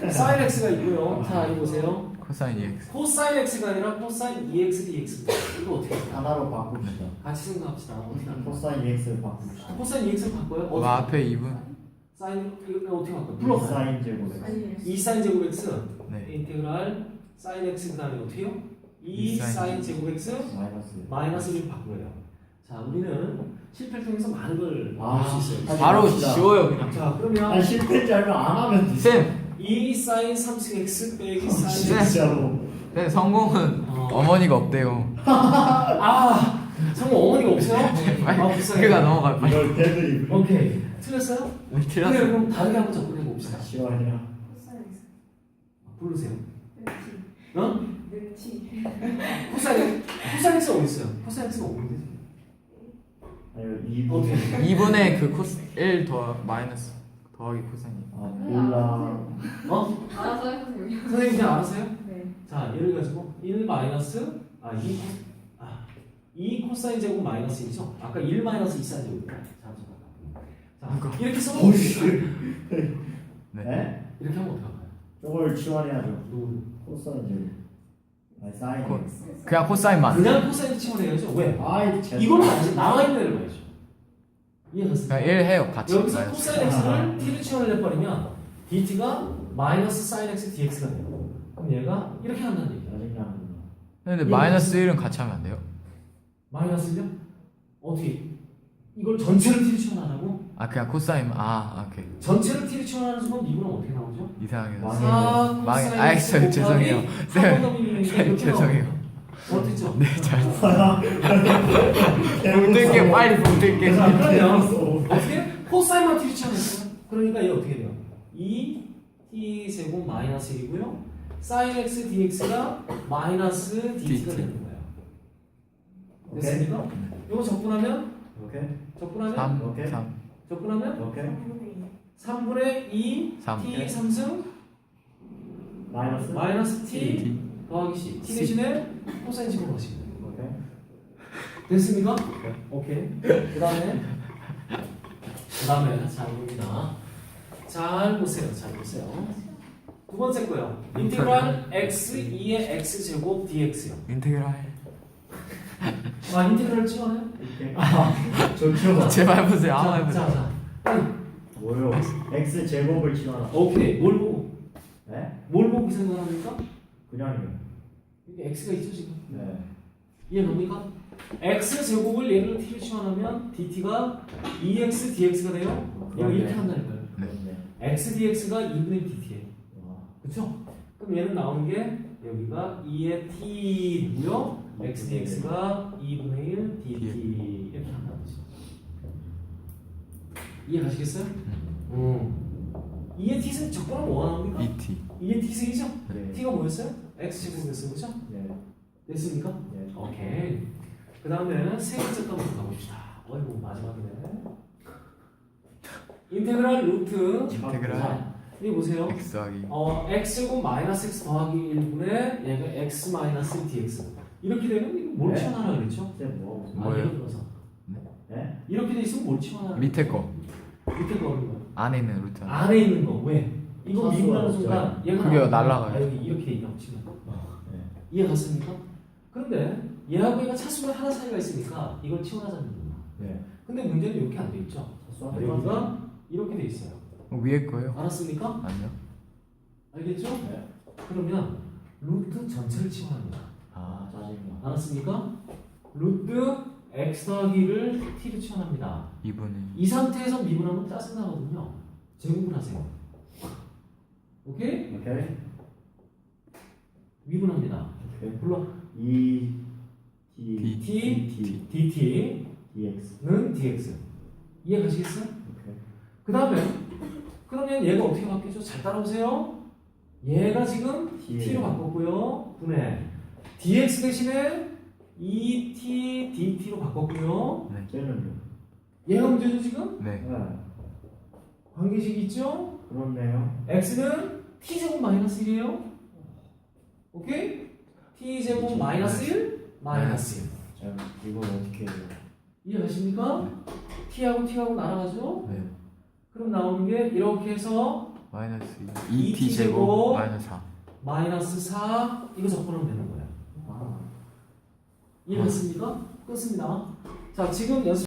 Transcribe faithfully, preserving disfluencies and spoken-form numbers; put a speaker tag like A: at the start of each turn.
A: 사인 x가 있고요. 자, 이거 보세요.
B: 코사인 이엑스.
A: 코사인 x가 아니라 코사인 이엑스 디엑스입니다. 이거 어떻게 할까요?
C: 하나로 바꿉시다.
A: 같이 생각합시다. 어떻게 할까요?
C: 코사인 이엑스를 바꿉시다.
A: 코사인 이엑스를 바꿔요?
B: 그
A: 어떻게
B: 앞에 이 분.
A: 사인 이거 어떻게 바꿔요? 플러스
C: 사인 제곱 x.
A: 이 사인 제곱 x
B: 네.
A: 인테그랄 사인 x 그다음에 어떻게요? 이 사인 제곱 x
C: 마이너스.
A: 마이너스를 바꾸어요. 자, 우리는 실패를 통해서 많은 걸
C: 아,
A: 볼 수 있어요.
B: 바로
C: 해봅시다.
B: 지워요 그냥.
A: 자, 그러면
C: 아 실패인지 알면 안 하면 돼.
B: 쌤.
A: 이 사인 삼승 x 빼기 사인
B: 네.
C: 진짜로.
B: 쌤 성공은
A: 어.
B: 어머니가 없대요.
A: 아, 정말 어머니가 없어요? 아, 불쌍해.
B: 그가 넘어갈 빨리.
C: 이걸 대들이.
A: 오케이. 틀렸어요?
B: 네,
A: 그래,
B: 틀렸어.
A: 그럼 다르게 한번 접근해 봅시다.
C: 시원이야.
A: 부르세요. 어? 코사인 코사인 x가 어디 있어요? 코사인 x가 없는데.
C: 아니 이 분.
A: 오케이.
B: 이 분의 그 코스 일 더 마이너스 더하기 코사인.
C: 아 몰라.
A: 어?
D: 알아서 해보세요.
A: 선생님 그냥 알아서요?
D: 네.
A: 자, 예를 가지고 일 마이너스 아 이 아 이 코사인 제곱 마이너스 일이죠. 아까 일 마이너스 이 사인 제곱. 자, 이렇게 써면
B: 네.
C: 네?
A: 이렇게 하면 어떡할까요?
C: 저걸 치환해야죠.
A: 누구?
C: 코사인 제곱. 아니 사인.
B: 코- 그냥 코사인만.
A: 그냥 코사인 치환해야죠. 왜?
C: 아이 제.
A: 이거는 아직 남아 있는 애를 봐야죠. 이해갔어요?
B: 그냥 일 해요 같이.
A: 여기서
B: 마이너스.
A: 코사인 x를 t를 치환을 해버리면 dt가 마이너스 사인 x dx가 돼요. 그럼 얘가 이렇게 한다는 얘기야.
C: 짜증나는
B: 근데 마이너스 일은 같이 하면 안 돼요?
A: 마이너스요? 어떻게? 이걸 전체를 t를 치환하라고?
B: 아 그냥 코사인. 아 오케이.
A: 전체를 t를 치환하는 순간 이분은 어떻게 나오죠?
B: 이상하게
C: 망해.
B: 나왔어요.
A: 사
B: 망해.
A: 코사인
B: 아,
A: x
B: 저- 죄송해요.
A: 곱하기
B: 쌤.
A: 삼 번 더미는 게 이렇게
B: 죄송해요.
A: 나와요. 어땠죠?
B: 네 잘. 붕뜰게 빨리 붕뜰게.
A: 그러면 어떻게? 코사인만 t를 치환했어요. 그러니까 얘 어떻게 돼요? 이 t 제곱 마이너스 일이고요. 사인 x dx가 마이너스 dt가 되는 거예요. 됐습니까? 이거 적분하면
C: 오케이.
A: 적분하면
B: 삼
C: 오케이.
B: 삼
A: 적분하면
C: 오케이.
A: 삼분의 이
B: 삼.
A: t 삼승
C: 마이너스.
A: 마이너스 t
B: T.
A: 더하기 c t
B: C.
A: 대신에 코사인 제곱 하시면 돼요.
C: 오케이.
A: 됐습니까? 오케이. 그 다음에 그 다음에 잘 봅니다. 잘 보세요. 잘 보세요. 두 번째 거요. 인테그랄 x 이의 x 제곱 dx요.
B: 인테그랄.
A: 아 인테그랄 치워요?
C: 오케이. 아 좋죠.
B: 제발 보세요. 한번
A: 자,
B: 해보세요.
A: 자, 자.
C: 뭐요? x 제곱을 치환하.
A: 오케이. 뭘 보고?
C: 네?
A: 뭘 보고 그 생각을 합니까?
C: 그냥요.
A: 이게 x가 있죠 지금.
C: 네.
A: 이해됩니까? x 제곱을 얘를 t를 치환하면 dt가 이 엑스 dx가 돼요. 얘가 이렇게 한다니까요.
C: 네.
A: x dx가 이분의 dt예요.
C: 와.
A: 그렇죠? 그럼 얘는 나오는 게 여기가 이의 t고요. x dx가 이분의 일 dt 이렇게 한다는 거죠. 이해가시겠어요? 음. 이의 t승 적분하면 뭐가 나옵니까?
B: 이티.
A: 이의 t승이죠?
C: 네.
A: t가 뭐였어요? x 제곱이었어요, 그렇죠?
C: 네.
A: 됐습니까?
C: 네.
A: 오케이. 그 다음에 세 번째 거 한번 가봅시다. 어이구 마지막이네. 인테그랄 루트.
B: 인테그랄.
A: 자, 여기 보세요.
B: x 하기.
A: 어, x제곱 마이너스 x 더하기 일분의 얘가 x 마이너스 dx. 이렇게 되면 이거 뭘
C: 네.
A: 치환하라 그랬죠?
C: 쌤 뭐?
A: 아,
B: 뭐예요?
A: 예를 들어서
C: 네?
A: 이렇게 돼 있으면 뭘 치환하라?
B: 밑에 거.
A: 밑에 거 어느 거?
B: 안에 있는 루트.
A: 안에 있는 거 왜? 이거
C: 차수가
A: 미분하는
C: 없죠.
A: 순간 얘가
B: 그게
A: 나와요.
B: 날아가요.
A: 아, 여기 이렇게 돼 있다고 치면
C: 네.
A: 이해 갔습니까? 그런데 얘하고 얘가 차수가 하나 사이가 있으니까 이걸 치환하자는 겁니다.
C: 네.
A: 근데 문제는 이렇게 안 돼 있죠?
C: 수학
A: 여기가 이렇게 돼 있어요.
B: 어, 위에 거요?
A: 알았습니까?
B: 아니요.
A: 알겠죠?
C: 네.
A: 그러면 루트 전체를 치환합니다.
C: 아 짜증나.
A: 알았습니까? 루트 x 더하기를 t로 치환합니다.
B: 이분의.
A: 이 상태에서 미분하면 짜증나거든요. 제곱을 하세요. 오케이?
C: 오케이.
A: 미분합니다.
C: 오케이.
A: 불러.
C: 이
B: D.
C: T
A: T.
C: T
A: dt는
C: dx.
A: dx. 이해 가시겠어요?
C: 오케이.
A: 그 다음에 그러면 얘가 어떻게 바뀌죠? 잘 따라오세요. 얘가 지금
C: T예요.
A: t로 바꿨고요. 분해. dx 대신에 이 티 dt로 바꿨고요.
B: 네.
C: 쟤는요?
A: 얘가 문제죠 지금?
B: 네.
C: 네.
A: 관계식 있죠?
C: 그렇네요.
A: x는 t제곱 마이너스 일이에요. 오케이? t제곱 마이너스 일 마이너스 일.
C: 자 이걸 어떻게 해요?
A: 이해가십니까? t하고 t하고 날아가죠?
B: 네.
A: 그럼 나오는 게 이렇게 해서
B: 마이너스
A: 이
B: 이 티
A: 티
B: 제곱
A: 제곱
B: 마이너스 사.
A: 마이너스 사 이거 적분하면 되는 거예요. 아. 이해됐습니까? 끝습니다. 자, 지금 연습